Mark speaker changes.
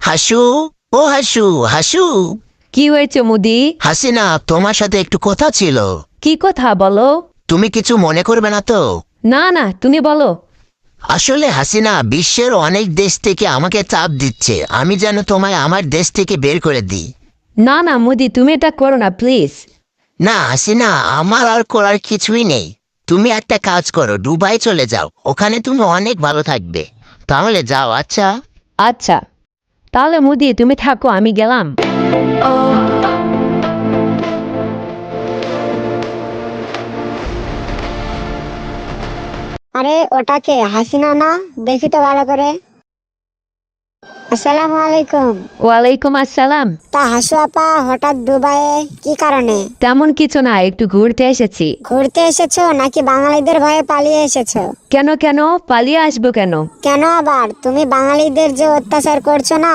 Speaker 1: হাসু, ও হাসু, হাসু।
Speaker 2: কি হয়েছে মুদি?
Speaker 1: হাসিনা, তোমার সাথে একটু কথা ছিল।
Speaker 2: কি কথা বলো?
Speaker 1: তুমি কিছু মনে করবে না তো?
Speaker 2: না না, তুমি বলো।
Speaker 1: আসলে হাসিনা, বিশ্বের অনেক দেশ থেকে আমাকে চাপ দিচ্ছে আমি যেন তোমায় আমার দেশ থেকে বের করে দিই।
Speaker 2: না না মুদি, তুমি এটা করো না প্লিজ।
Speaker 1: না হাসিনা, আমার আর করার কিছুই নেই। তুমি একটা কাজ করো, দুবাই চলে যাও, ওখানে তুমি অনেক ভালো থাকবে। তাহলে যাও, আচ্ছা?
Speaker 2: আচ্ছা, তাহলে মুদি তুমি থাকো, আমি গেলাম।
Speaker 3: আরে ওটাকে হাসিনা না? দেখি তো ভালো করে। আসসালামু আলাইকুম।
Speaker 2: ওয়ালাইকুম আসসালাম।
Speaker 3: তা হাসু আপা হঠাৎ দুবাইয়ে কি কারণে?
Speaker 2: তেমন কিছু না, একটু ঘুরতে এসেছি।
Speaker 3: ঘুরতে এসেছো নাকি বাঙালিদের ভয়ে পালিয়ে এসেছো?
Speaker 2: কেন কেন পালিয়ে আসবো কেন?
Speaker 3: কেন আবার? তুমি বাঙালিদের যে অত্যাচার করছো না,